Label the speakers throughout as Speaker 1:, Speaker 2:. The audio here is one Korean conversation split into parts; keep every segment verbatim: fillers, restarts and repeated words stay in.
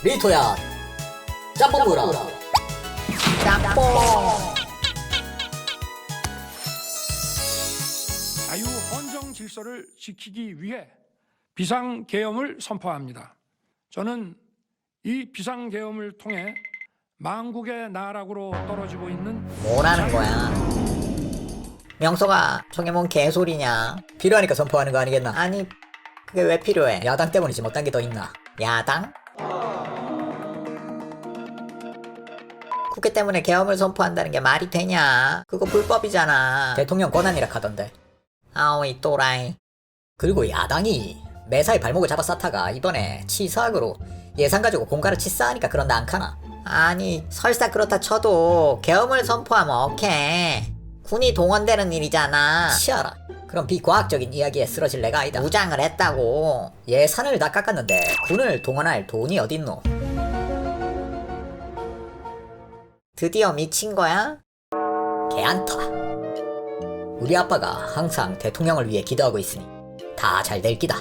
Speaker 1: 리토야 짬뽕 물어.
Speaker 2: 짬뽕.
Speaker 3: 자유 헌정 질서를 지키기 위해 비상계엄을 선포합니다. 저는 이 비상계엄을 통해 망국의 나락으로 떨어지고 있는
Speaker 2: 뭐라는 거야? 명소가 저게 뭔 개소리냐?
Speaker 1: 필요하니까 선포하는 거 아니겠나?
Speaker 2: 아니 그게 왜 필요해?
Speaker 1: 야당 때문이지 못한 게 더 있나?
Speaker 2: 야당? 국회 때문에 계엄을 선포한다는 게 말이 되냐? 그거 불법이잖아.
Speaker 1: 대통령 권한이라 하던데.
Speaker 2: 아우 이 또라이.
Speaker 1: 그리고 야당이 매사에 발목을 잡아 쌓다가 이번에 치사학으로 예산 가지고 공가를 치사하니까 그런다 안 카나?
Speaker 2: 아니 설사 그렇다 쳐도 계엄을 선포하면 오케이. 군이 동원되는 일이잖아.
Speaker 1: 치아라. 그럼 비과학적인 이야기에 쓰러질 내가 아니다.
Speaker 2: 무장을 했다고.
Speaker 1: 예산을 다 깎았는데 군을 동원할 돈이 어딨노?
Speaker 2: 드디어 미친 거야?
Speaker 1: 개안타. 우리 아빠가 항상 대통령을 위해 기도하고 있으니 다 잘 될 기다.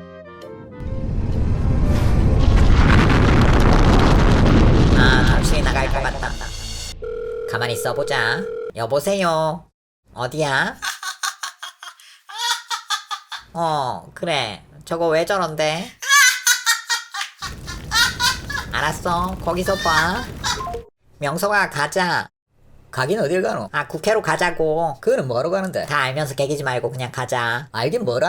Speaker 2: 아 정신이 나갈 것 같다. 가만히 있어보자. 여보세요. 어디야? 어 그래 저거 왜 저런데? 알았어 거기서 봐. 명서가 가자.
Speaker 1: 가긴 어딜 가노?
Speaker 2: 아 국회로 가자고.
Speaker 1: 그거는 뭐하러 가는데?
Speaker 2: 다 알면서 개기지 말고 그냥 가자.
Speaker 1: 알긴 뭐라?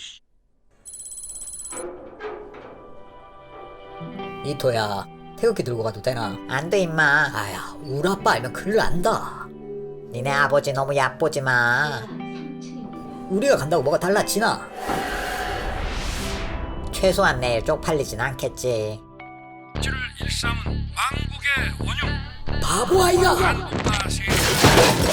Speaker 1: 이토야 태극기 들고 가도 되나?
Speaker 2: 안 돼 임마.
Speaker 1: 아야 우리 아빠 알면 큰일 난다.
Speaker 2: 니네 아버지 너무 얕보지 마.
Speaker 1: 우리가 간다고 뭐가 달라지나?
Speaker 2: 최소한 내일 쪽팔리진 않겠지.
Speaker 3: 를 일삼은 망국의 원흉
Speaker 1: 바보 아이가!
Speaker 3: 한국과 세계